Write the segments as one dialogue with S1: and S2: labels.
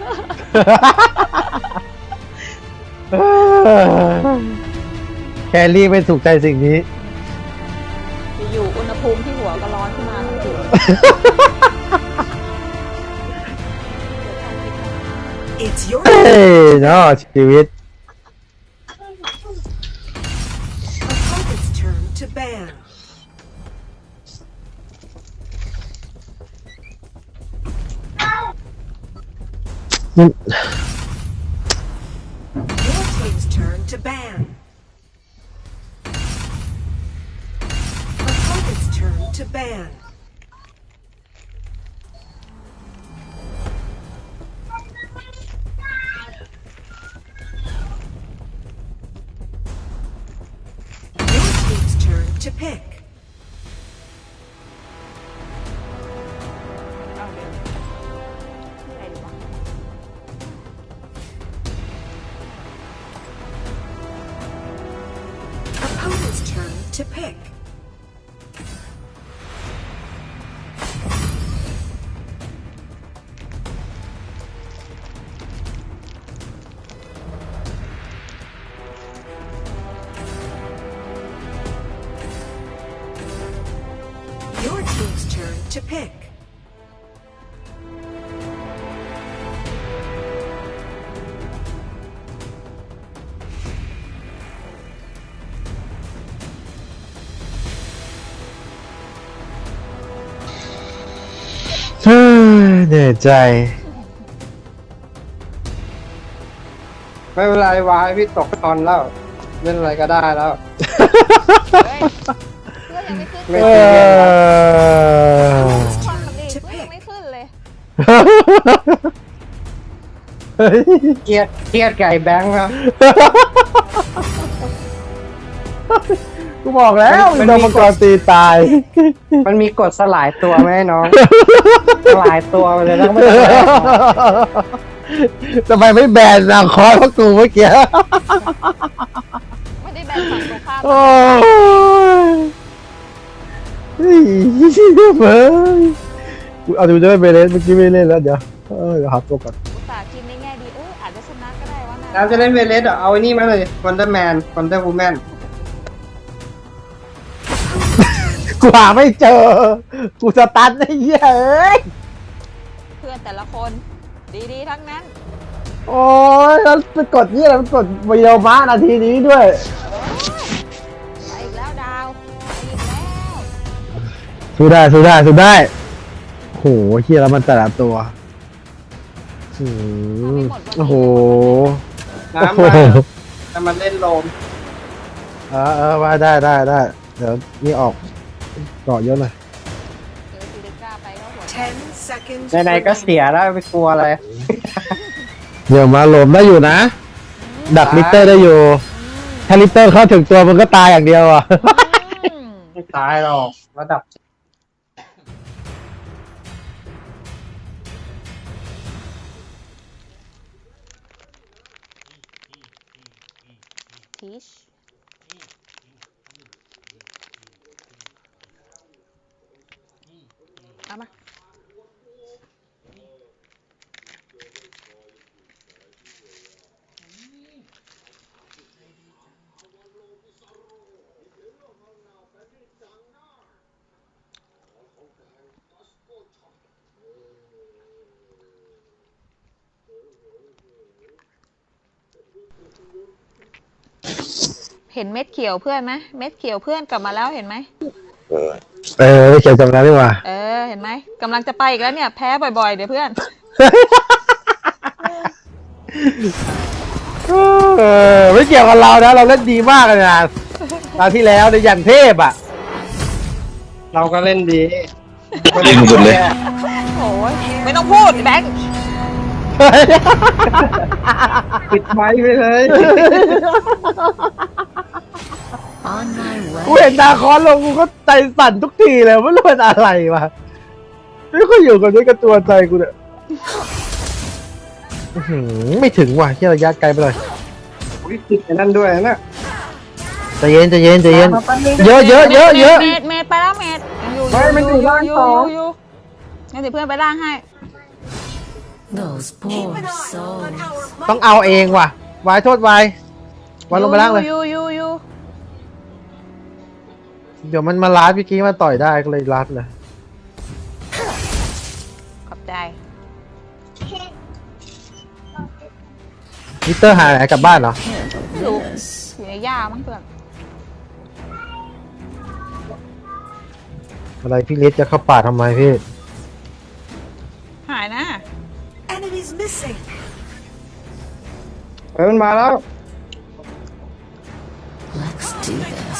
S1: แครี่ไม่ถูกใจสิ่งนี้
S2: อยู่อุณหภูมิที่หัวก็ร้อนขึ้นมาทันที
S1: เฮ้ยเนาะชีวิต
S3: To ban. Your team's turn to pick. Opponent's turn to pick. Your team's turn to pick.
S1: เหนื่อยใจ
S4: ไม่เป็นไรวายพี่ตกคอนแล้วเล่นอะไรก็ได้แล้ว
S2: เพื่อนยังไม่ขึ้น
S4: ไม่
S2: เลย
S4: ตีเย็นแล้ว
S2: ความสำเร็จเพื่อนยังไม่ขึ้นเลย
S4: เครียดไก่แบงค์ครับ
S1: กูบอกแล้วโดนมังกรตีตาย
S4: มันมีกฎสลายตัวไหมน้องสลายตัวไปเลยแล้วไม่ต้อง
S1: ทำไมไม่แบนนาคอร์พวกกูเมื่อกี้
S2: ไม่ได้แบ่งฝั่งตรงข้าม
S1: โอ้ยเฮ้ยกูเอาดูจะไม่ไปเล่นเมื่อกี้ไม่เล่นแล้วเดี๋ยวหักตัวก่อน
S2: อุตส่าห์คิดในแง่ดีอาจจะชนะก็ได้วะนะ
S4: น้ำจะเล่นเวเลสเอาไอ้นี่มาเลยวันเดอร์แมนวันเดอร์วูแมน
S1: กูหาไม่เจอกูสตันไอ้เหี้ยเอ้ย
S2: เพื่อนแต่ละคนดีๆทั้งนั้น
S1: โอ้ยแล้วไปกดนี่อะไรไปกดวิดีโอมานาทีนี้ด้วย
S2: ไปอีกแล้วดาวไปอีกแล้ว
S1: สู้ได้โหเฮียแล้วมันแต่ละตัวโอ้โห
S4: น้ำมาจะมาเล่นโลม
S1: ว่าได้เดี๋ยวนี่ออกเกาะเยอะหน่อย
S4: ไหนๆก็เสียแล้วไปกลัวอะไร
S1: เดี๋ยวมาหลมได้อยู่นะดักลิตเตอร์ได้อยู่ถ้าลิตเตอร์เข้าถึงตัวมันก็ตายอย่างเดียวอ่ะ
S4: ไม่ตายหรอกระดับ
S2: ทีชเอามาเห็นเม็ดเขียวเพื่อนไหมเม็ดเขียวเพื่อนกลับมาแล้วเห็นไหม
S1: ไม่เขียวจำได้ดีกว่า
S2: เห็นไหมกำลังจะไปอีกแล้วเนี่ยแพ้บ่อยๆเดี๋ยวเพื่อน
S1: ไม่เกี่ยวกับเรานะเราเล่นดีมากเลยนะตอนที่แล้วในยันเทพอ่ะ
S4: เราก็เล่นดี
S5: ยิงหมดเลย
S2: โอ้ยไม่ต้องพูดแบงค์
S4: ปิดไม้ไปเลย
S1: กูเห็นนาคอนลงกูก็ใจสั่นทุกทีเลยไม่รู้เป็นอะไรวะไม่ค่อยอยู่กับด้วยกับตัวใจกูเนี่ยไม่ถึงว่ะที่ระยะไกลไปเลย
S4: ติดไอ้นั่นด้วยนะ
S1: ใจเย็นเยอะ
S2: เมดไปแล้วเมด
S4: ไม่มันอยู่ล่างสอง
S2: งั้นเดี๋ยวเพื่อนไปล่างให้
S6: Those
S3: Keep
S6: poor
S3: an eye on
S6: souls.
S3: our
S1: ต้องเอาเองว่ะวายโทษวายวายลงไปล่างเลย
S2: ยู
S1: เดี๋ยวมันมาลัดพี่กี้มาต่อยได้ก็เลยลัดเลย
S2: ขอบใจ
S1: มิเตอร์หายไหนกลับบ้านเหรอ
S2: ไม่รู้อยู่ในหญ้ามั้งเพื่อน
S1: อะไรพี่ลิศจะเข้าป่าทำไมพี่
S2: หายนะ
S3: enemies missing.
S4: เฮ้ยมันมาแล้ว
S6: Let's do this.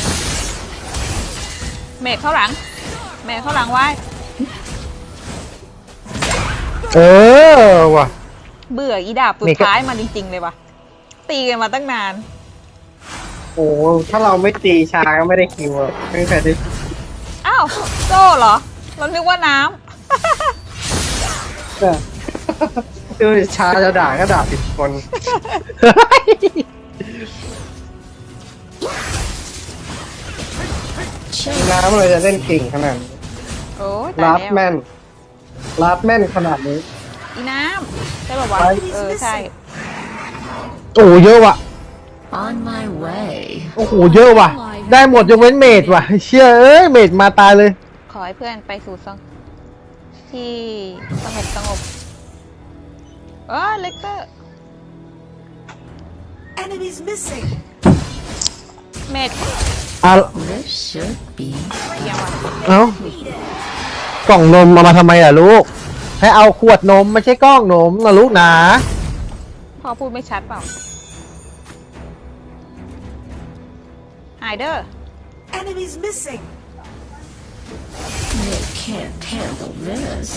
S2: เมฆเข้าหลัง เมฆเข้าหลังไว้
S1: เออว่ะ
S2: เบื่ออีดาบสุดท้ายมาจริงๆเลยว่ะ ตีกันมาตั้งนาน
S4: โอ้ถ้าเราไม่ตีชาก็ไม่ได้คิวอะไม่มีใครได้
S2: อ้าวโซ่เหรอ เรานึกว่าน้
S4: ดูดิชาจะด่าก็ด่าผิดคน น้ำเลยจะเล่นเก่งขนาดนี้
S2: ำโอ้ย
S4: ลา
S2: ตาย
S4: ด
S2: แล้ว
S4: แม่นลาดแม่นขนาดนี้
S2: อีน้ำใช่ป่าวะ เออใช่
S1: โอ้โหเยอะว่ะ
S6: On my way.
S1: โอ้โหเยอะว่ะ ได้หมดยกเว้นเมดว่ะ เชื่อเอ้ยเมดมาตายเลย
S2: ขอให้เพื่อนไปสู่ที่สงบเลกเตอร์
S3: Enemies missing.
S2: เมด
S1: เอา
S6: This should be
S2: ยังวะ
S1: เอากล่องนมเอามาทำไมล่ะลูก ให้เอาขวดนมไม่ใช่กล้องนมนะลูกนะ
S2: พ่อพูดไม่ชัดเปล่าหายเด้อ
S3: Enemies missing.
S6: They can't handle this.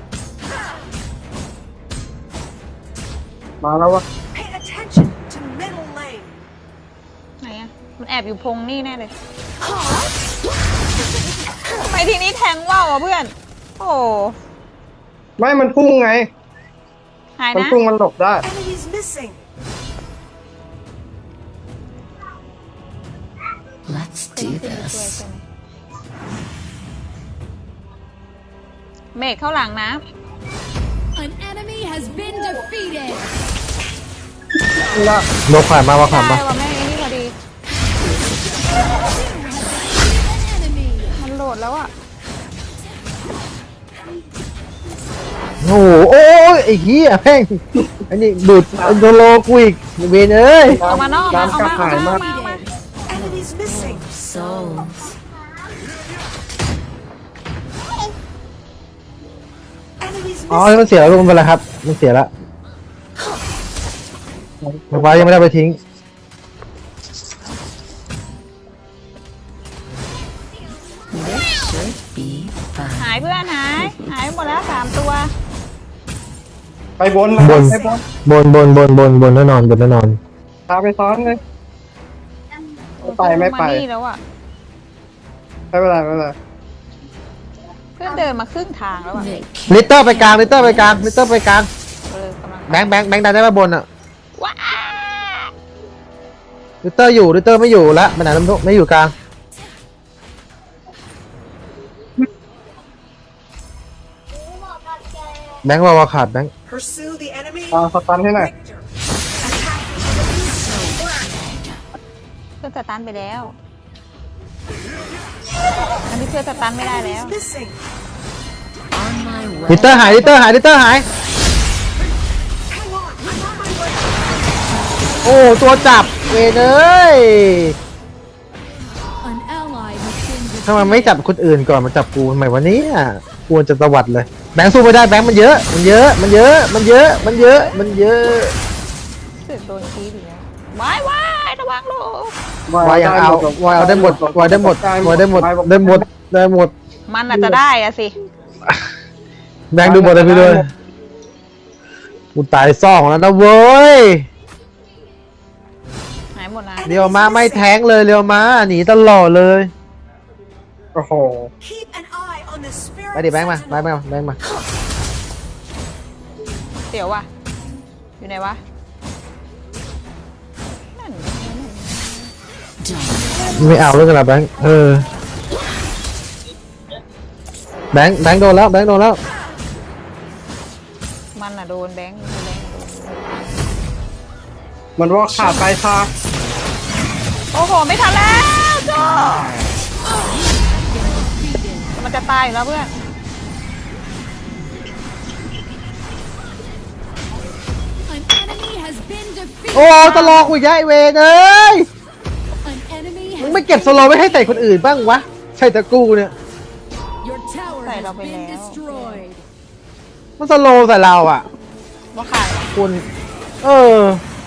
S4: มาแล้ววะ
S3: Pay attention to middle lane.
S2: ไหนอะมันแอบอยู่พงนี่แน่เลยทำไมทีนี้แทงว่าวอ่ะเพื่อน โอ้
S4: ไม่มันพุ่งไง
S2: หาย
S4: มัน
S2: นะ
S4: พุ่งมันหลบได้
S3: Enemies missing.
S6: Let's
S2: เป็น
S6: do
S2: ขึ้นมาช่วย
S6: this.
S2: ใช่ไหมเมฆเข้าหลังนะ
S7: An enemy has been defeated.
S1: โลขวานมาว่าขวาน
S2: ได้
S1: มา
S2: ว่าแม่งไอ้นี่พอดี
S7: An enemy.
S2: มันโหลดแล้วอ่ะ
S1: โอ้โหโอ้ยไอ้เหี้ยแม่งไอ้นี่ดูดโดโลกูอีกเวนเอ้ย
S2: เอามานอกมาเอา
S4: น้ำกระ
S2: มา
S4: หาย
S2: เอา
S4: มาก
S2: มาเอามา
S3: Enemies missing.
S6: Souls.
S3: Enemies
S1: อ๋อ
S3: missing.
S1: มันเสียแล้วลูกมันเป็นไรครับ มันเสียแล้วมันไว้ยังไม่ได้ไปทิ้ง
S6: This should be fun.
S2: หายเพื่อนหายหมดแล้ว3 ตัว
S4: ไปบน
S1: บน
S4: ไป
S1: บนแน่นอนบนแน่นอน
S4: พาไปซ้อนเลย ไม่ไป
S2: านี่แล้วอ่ะ
S4: ไม่เป็นไรไม่เป็นไร
S2: เพื่อนเดินมาครึ่งทางแล้วอ่ะ
S6: They
S1: ลิต
S6: can't.
S1: เตอร์ไปกลางลิตเตอร์ไปกลางลิตเตอร์ไปกลาง
S2: กำลัง
S1: แบงค์ดันได้มาบนอ่ะ
S2: ว้า
S1: ลิตเตอร์อยู่ลิตเตอร์ไม่อยู่แล้วไปไหนแล้วไม่อยู่กลางแบงค์วาขาดแบงค์
S3: Pursue the enemy.
S4: เอาสตันให้หน่อย
S3: Victor.
S2: เพื่อนสตันไปแล้ว อันนี้เพื่อนสตันไม่ได้แล้ว
S3: Enemies missing.
S6: On my
S1: ลิตเตอ
S6: way.
S1: ร์หายลิตเตอร์หาย
S3: Hang on. I'm on my way.
S1: โอ้ตัวจับเวนเอ้ย
S7: An ally has been
S1: ทำไม
S7: defeated.
S1: ไม่จับคนอื่นก่อนมาจับกูทำไมวันนี้ควรจะตวัดเลยแบงค์สู้ไม่ได้แบงค์มันเยอะมันเยอะมันเยอะมันเยอะมันเยอะมันเยอะ
S2: เสือกโดนชี้ดีแล้วว้ายระวังลูก
S1: วายยังเอาวายเอาได้หมดวายได้หมดวายได้หมดได้หมดได้หมด
S2: มันอาจจะได้อะสิ
S1: แบงค์ดูหมดเลยพี่ด้วยกูตายซ่องแล้วนะเว้ย
S2: หายหมดนะ
S1: เรียวมาไม่แท้งเลยเรียวมาหนีตลอดเลย
S4: โอ้โห
S3: Keep an eye on the spirit.
S1: ไปดิแบงค์มา
S3: sentinel.
S1: แบงค์มา
S2: เดี๋ยวว่ะ อยู่ไหนวะ นั่น
S6: Don't
S1: ไม่เอาเรื่องกันละแบงค์แบงค์โดนแล้วแบงค์โดนแล้ว
S2: มันน่ะโดนแบงค์โดน
S4: มันว่าขาดไปค่ะ
S2: โอ้โหไม่ทันแล้วโจ้มันจะตายอยู่แล้วเพื่อน
S7: An enemy has been defeated.
S1: โอ้ตลอกูอีกแล้วไอเวนเอ้ย
S7: An enemy
S1: มึง
S7: has
S1: ไม่เก็บสโลว์ไว้ให้แต่คนอื่นบ้างวะใช่แต่กูเนี่ย
S7: Your tower
S2: Tại
S7: has
S2: đâu phải
S7: been
S2: léo.
S7: destroyed.
S1: มันสโลว์ใส่เราอ่ะ
S2: ว่าขาด
S1: คุณเออ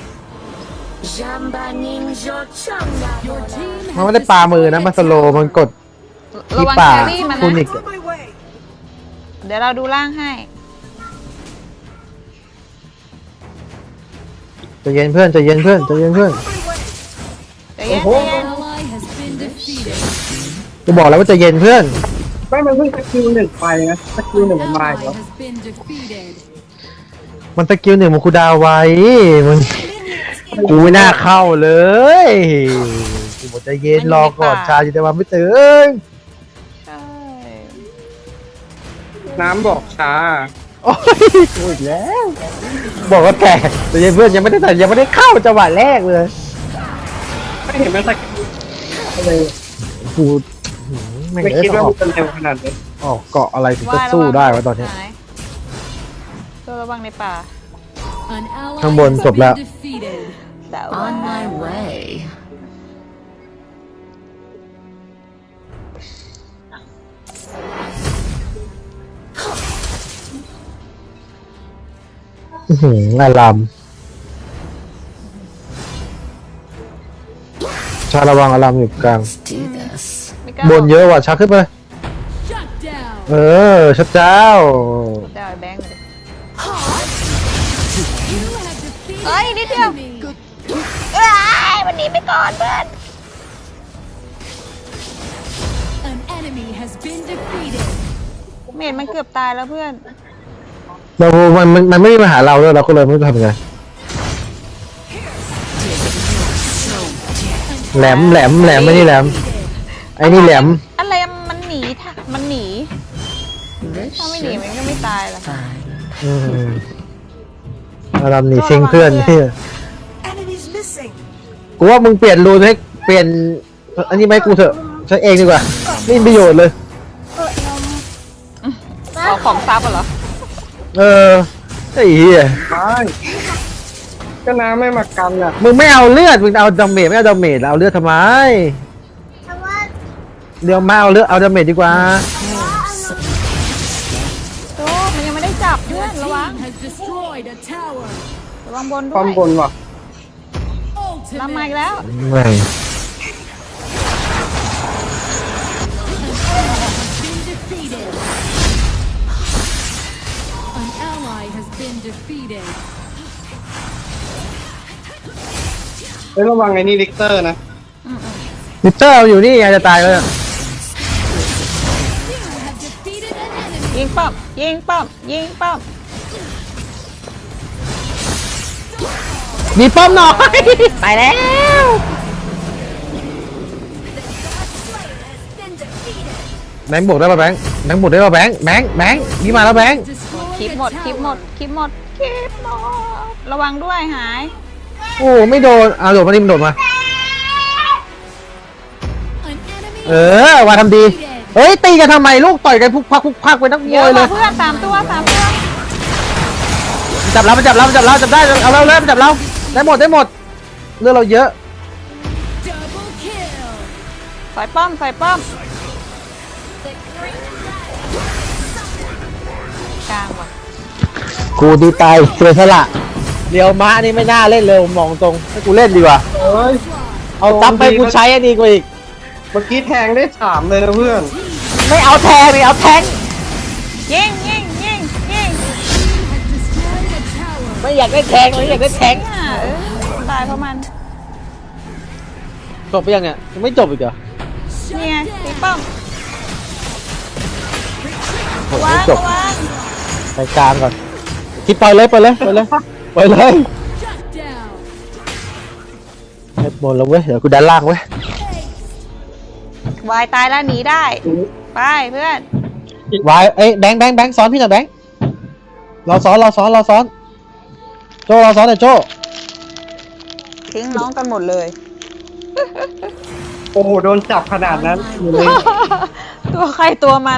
S7: Your team
S1: มัน
S7: has
S1: ไม่ได้ปามือนะ
S7: destroyed
S1: มัน
S7: a
S1: สโลว์
S7: tower.
S1: มันกด
S2: ระวัง
S1: ป่า
S2: แครี่มัน
S1: คุณ
S2: นะ
S1: อีก
S3: On my way.
S2: เดี๋ยวเราดูล่างให้
S1: ใจเย็นเพื่อนใจเย็นเพื่อนใจเย็นเพื่อน
S3: On my way.
S2: เดี๋ยวเย็น
S7: An ally has been defeated.
S1: จะบอกแล้วว่าใจเย็นเพื่อน
S4: ไม่มันเพิ่งสกิลหนึ่งไปนะสกิลหนึ่ง
S7: An
S4: มันมา
S7: ally
S4: อีกแล้ว
S7: has been defeated.
S1: มันสกิลหนึ่งมันคูลดาวน์ไว้มันกูไม่น่าเข้าเลยกูบอกใจเย็นรอก่อนชาจิตวันไม่ตื่น
S2: ใช่
S4: น้ำบอกช้า
S1: โอ้ยกูอีกแล้ว บอกว่าแกใจเย็นเพื่อนยังไม่ได้เข้าจังหวะแรกเลย
S4: ไม่เห็นมันสกิลเลย
S1: กูไม่
S4: ไม่
S1: เอ้ย
S4: คิด
S1: ต้อง
S4: ว่า
S1: ออก
S4: มันจะเร็วขนาดนี้
S1: ออกเกาะอะไรถึงจะสู้ได้วะตอนเนี้ย
S2: หายตัวระวังในป่า
S7: An ally
S1: ข้างบน
S7: has
S1: จบแล้ว
S7: been defeated.
S2: แต่ว่า
S6: On my way.
S1: อารามชาระวังอารามอยู่กลาง
S6: Let's do this.
S2: ไม่กล้า
S1: บนเยอะว่ะชาขึ้นไป
S7: Shut down.
S1: เออชัดเจ้า
S2: เดี๋ยวเอาแบงค์มาดิ
S7: You have defeated
S2: เอ้ยนิดเดียว
S7: enemy.
S2: เอ้ยวันนี้ไปก่อนเพื่อน
S7: An enemy has been defeated.
S2: เมดมันเกือบตายแล้วเพื่อน
S1: เรามันไม่ได้มาหาเราด้วยเราก็เลยไม่รู้จะทำยังไงแหลมไม่นี่แหลม ไอ้นี่แหลม
S2: อะไรมันหนีค่ะมันหนี
S6: This
S2: ถ้าไม่หนี
S6: should
S2: มันก็ไม่ตายหรอก
S6: fine.
S1: อืมอารามหนีซิงเพื่อนที่
S3: Enemies missing.
S1: กูว่ามึงเปลี่ยนรูนให้เปลี่ยนอันนี้ไหมกูเถอะใช้เองดีกว่าไม่มีประโยชน์เลย
S2: เอาของซับเหรอ
S1: เออไอ้เหี้ย
S4: ไม่ก็น้ำไม่มากันอ่ะ
S1: มึงไม่เอาเลือดมึงเอาดาเมจไม่เอาดาเมจแล้วเอาเลือดทำไมเดี๋ยวมาเอาเลือดเอาดาเมจดีกว่า
S2: โจ้มันยังไม่ได้จับเพื่อนระวัง
S7: Has destroyed a tower.
S2: ระวังบนด้
S4: ความ
S2: วย
S4: บนว่ะ
S2: รับมา
S7: Ultimate.
S2: อีกแล้ว
S1: ไม่
S7: Been defeated. An ally has been defeated.
S4: เฮ้ยระวังไอ้นี่ลิกเตอร์นะ
S1: ลิเตอร์อยู่นี่ไงจะตายแล้ว
S7: You have defeated an enemy.
S2: ยิงป้อมยิงป้อมยิงป้อม
S1: มีป้อมหน่อย
S2: ไปแล้ว
S1: แบงค์บวกได้ป่ะแบงค์บวกได้ป่ะแบงค์นี่มาแล้วแบงค์
S7: Destroyed
S2: คลิป
S7: a
S2: หมด
S7: tower.
S2: คลิปหมดคลิปหมดคลิปหมดระวังด้วยหาย
S1: โอ้ไม่โดนเอาโดดมาดิมันโดดมา
S7: An enemy
S1: เออว่าทำดี เฮ้ยตีกันทำไมลูกต่อยกันพุกพักไปนักม
S2: เยอะ
S1: วย
S2: ก
S1: เล
S2: ว่าย เพื่อน3 ตัว
S1: จับเราจับได้เอาเราเลยจับเราได้หมดเรื่องเราเยอะ
S7: double kill.
S2: ใส่ป้อมใส่ป้อมกลางว่ะ
S1: กูดีตายเสียสละเดี๋ยวม้านี่ไม่น่าเล่นเลยผมมองตรงให้กูเล่นดีกว่า
S4: เฮ้ย
S1: เอาตับไปกูใช้อันนี้กว่าอีก
S4: เมื่อกี้แทงได้3เลยนะเพื่อน
S1: ไม่เอาแทงไม่เอาแทง
S2: ยิง
S7: Has destroyed a tower.
S1: ไม่อยากได้แทงเลยอยากได้แทง
S2: ตายเพราะมัน
S1: จบไปยังเนี่ยยังไม่จบอีกเหรอ
S2: เนี่ยตีป้อม
S1: โอ้
S2: วา
S1: ไม่
S2: ง
S1: จบ
S2: ระวัง
S1: ไปกลางก่อนคิดไปเลย
S7: Shut down.
S1: เฮ็ดบนแล้วเว้ยเดี๋ยวกูดันล่างเว้ยว
S2: ายตายแล้วหนีได้ไปเพื่อน
S1: วายเอ้ยแบงค์สอนพี่หน่อยแบงค์เราซ้อนโจ้เราซ้อนหน่อยโจ้
S2: ทิ้งน้องกันหมดเลย
S4: โอ้โหโดนจับขนาดนั้นอยู่เลย
S2: ตัวใครตัวมัน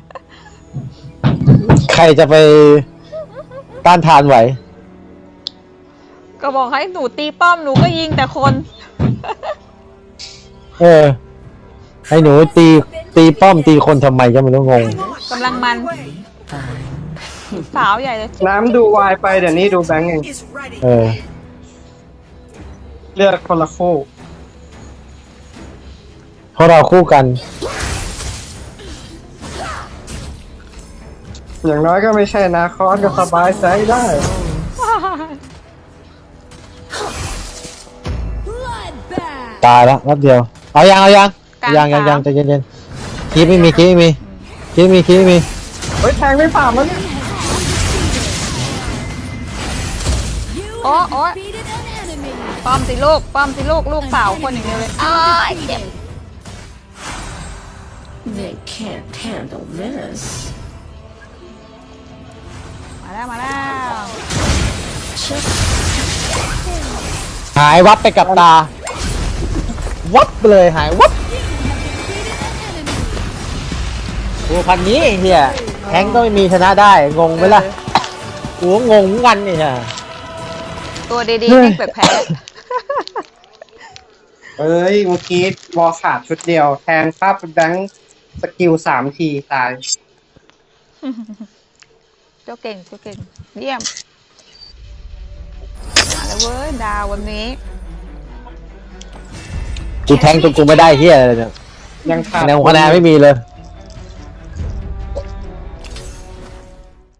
S1: ใครจะไปต้านทานไหว
S2: ก็บอกให้หนูตีป้อมหนูก็ยิงแต่คน
S1: ให้หนูตีป้อมตีคนทำไมก็ไม่รู้งง
S2: กำลังมัน สาวใหญ่เลย
S4: น้ำดูวายไปเดี๋ยวนี้ดูแบงค์เอง
S3: Is ready.
S4: เลือกคนละคู่
S1: เพราะเราคู่กัน
S4: อย่างน้อยก็ไม่ใช่นาคอสก็สบายใจได้
S7: Bloodbath.
S1: ตายแล้วนัดเดียวเอายัง
S2: กลาง
S1: ยังใจเย็นๆคีบไม่มี
S4: เฮ้ยแทงไม่ผ่านแล้วเนี่ย
S7: You
S2: Oh,
S7: have
S2: oh.
S7: defeated an enemy.
S2: ป้อมสิลูกลูกสาวคนอย่างเดียวเลยอ้ายเจ็บ
S6: They can't handle this.
S2: มาแล้ว
S1: หายวับไปกับตา วับไปเลยหายวับ
S7: Defeated an enemy.
S1: โอ้พันนี้เฮียแทงก็ไม่มีชนะได้ งงไหมล่ะกูก็งงเหมือนกันนี่ฮะ
S2: ตัวดีๆแม่งแพ้
S4: เอ้ยเมื่อกี้วอลขาดชุดเดียว แทงภาพแบงค์สกิล3 ทีตาย
S2: เจ้าเก่งเยี่ยมมาแล้วเว้ยดาววันนี้
S1: กูแทงตัวกูไม่ได้เฮียอะไรเนี่ย
S4: ยังขาด
S1: คะแนนไม่มีเลย